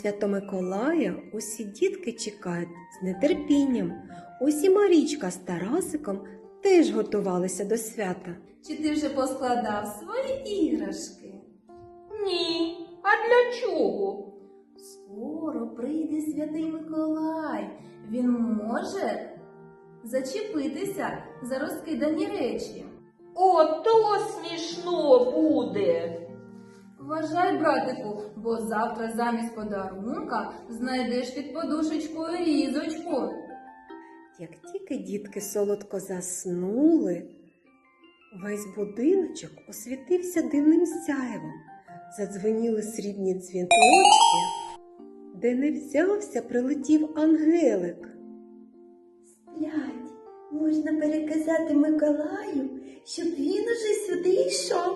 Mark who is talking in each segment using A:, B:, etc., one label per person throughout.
A: Свято-Миколая усі дітки чекають з нетерпінням. Ось і Марічка з Тарасиком теж готувалися до свята.
B: Чи ти вже поскладав свої іграшки?
C: Ні. А для чого?
B: Скоро прийде Святий Миколай. Він може зачепитися за розкидані речі.
C: Ото смішно буде.
B: Вважай, братику, бо завтра замість подарунка знайдеш під подушечкою різочку.
A: Як тільки дітки солодко заснули, весь будиночок освітився дивним сяйвом. Задзвеніли срібні дзвіночки, де не взявся, прилетів ангелик.
D: Сплять, можна переказати Миколаю, щоб він уже сюди йшов.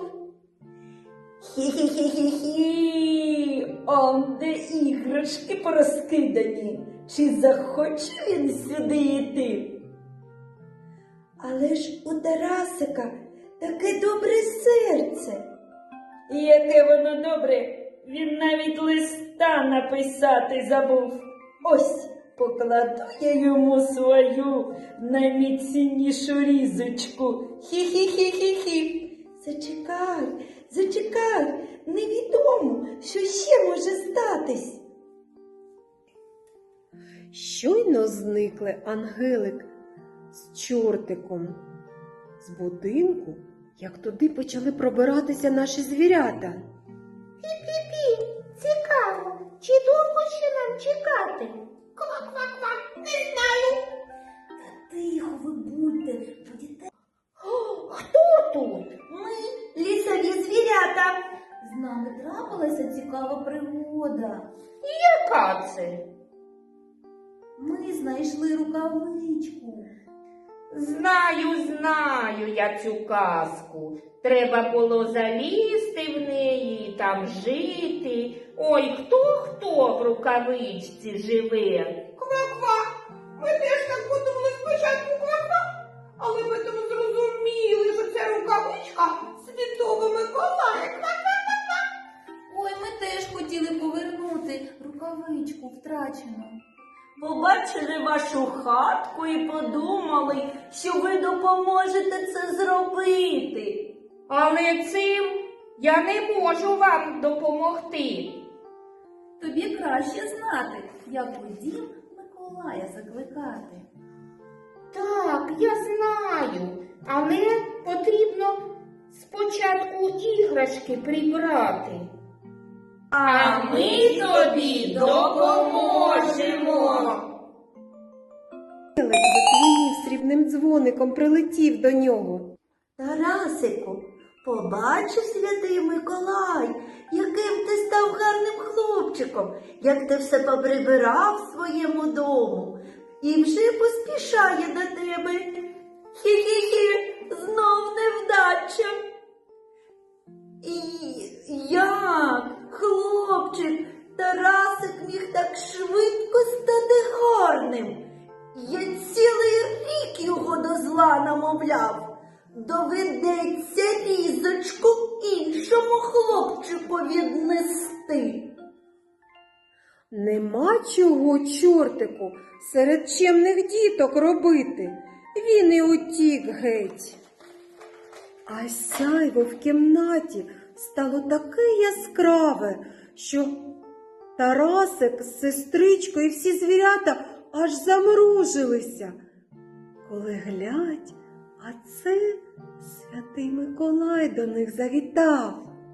E: Хі-хі-хі-хі-хі, он де іграшки порозкидані. Чи захоче він сюди йти?
D: Але ж у Тарасика таке добре серце.
E: Яке воно добре, він навіть листа написати забув. Ось покладу я йому свою найміцнішу різочку. Хі-хі-хі-хі-хі.
D: Зачекай, зачекай, невідомо, що ще може статись.
A: Щойно зникли ангелик з чортиком з будинку, як туди почали пробиратися наші звірята.
D: Пі-пі-пі, цікаво, чи довго ще нам чекати? Ква-ква-ква, не знаю. Та тихо ви будьте, будете. Хто тут? Ми, лісові звірята. З нами трапилася цікава пригода.
C: Яка це?
B: Ми знайшли рукавичку.
C: Знаю я цю казку. Треба було залізти в неї і там жити. Ой, хто в рукавичці живе?
F: Ква-ква. Ми теж так подумали спочатку ква-ква, але потім зрозуміли, що це рукавичка Святого Миколая. Ква-ква.
B: Ой, ми теж хотіли повернути рукавичку втрачену.
E: Побачили вашу хатку і подумали, що ви допоможете це зробити.
C: Але цим я не можу вам допомогти.
B: Тобі краще знати, як у дім Миколая закликати.
C: Так, я знаю, але потрібно спочатку іграшки прибрати. А ми тобі допоможемо.
A: Ангелик задзвенів срібним дзвоником, прилетів до нього.
D: Тарасику, побачив Святий Миколай, яким ти став гарним хлопчиком, як ти все поприбирав в своєму дому і вже поспішає до тебе. Хі-хі-хі, знов невдача. І як, хлопчик, Тарасик міг так швидко стати гарним? Я цілий рік його до зла намовляв. Доведеться різочку іншому хлопчику віднести.
A: Нема чого чортику серед чемних діток робити. Він і утік геть. А сяйво в кімнаті стало таке яскраве, що Тарасик з сестричкою і всі звірята аж замружилися. Коли глядь, а це Святий Миколай до них завітав.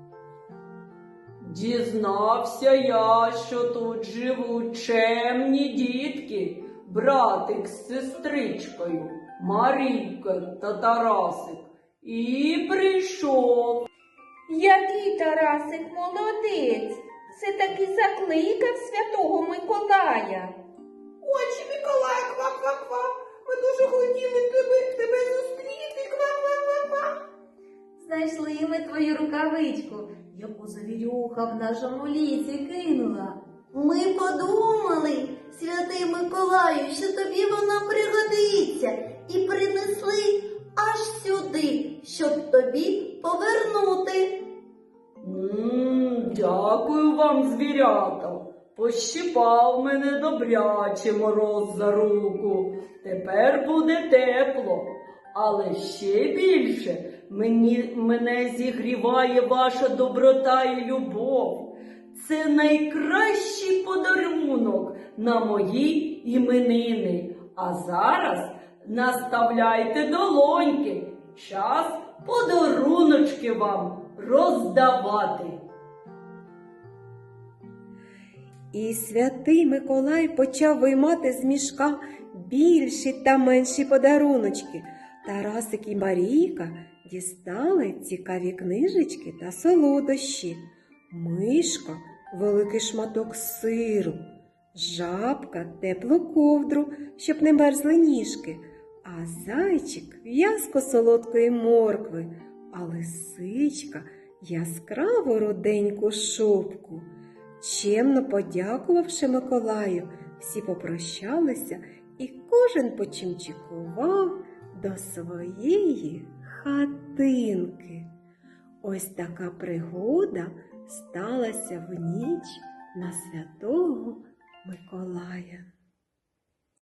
E: Дізнався я, що тут живуть чемні дітки, братик з сестричкою, Марійка та Тарасик, і прийшов.
C: Який Тарасик молодець! Все-таки закликав Святого Миколая.
F: Очі Миколая, ква-ква-ква. Ми дуже хотіли тебе зустріти. Ква-ква-ква.
B: Знайшли ми твою рукавичку, яку завірюха в нашому лісі кинула.
D: Ми подумали, Святий Миколаю, що тобі вона пригодиться, і принесли аж сюди, щоб тобі повернути.
E: Дякую вам, звірята. пощипав мене добряче мороз за руку. Тепер буде тепло. Але ще більше мене зігріває ваша доброта і любов. Це найкращий подарунок на мої іменини. А зараз наставляйте долоньки. Час подаруночки вам роздавати.
A: І святий Миколай почав виймати з мішка більші та менші подаруночки. Тарасик і Марійка дістали цікаві книжечки та солодощі. Мишка – великий шматок сиру, жабка – теплу ковдру, щоб не мерзли ніжки, а зайчик – в'язку солодкої моркви, а лисичка – яскраву руденьку шубку. Чемно подякувавши Миколаю, всі попрощалися і кожен почимчикував до своєї хатинки. Ось така пригода сталася в ніч на Святого Миколая.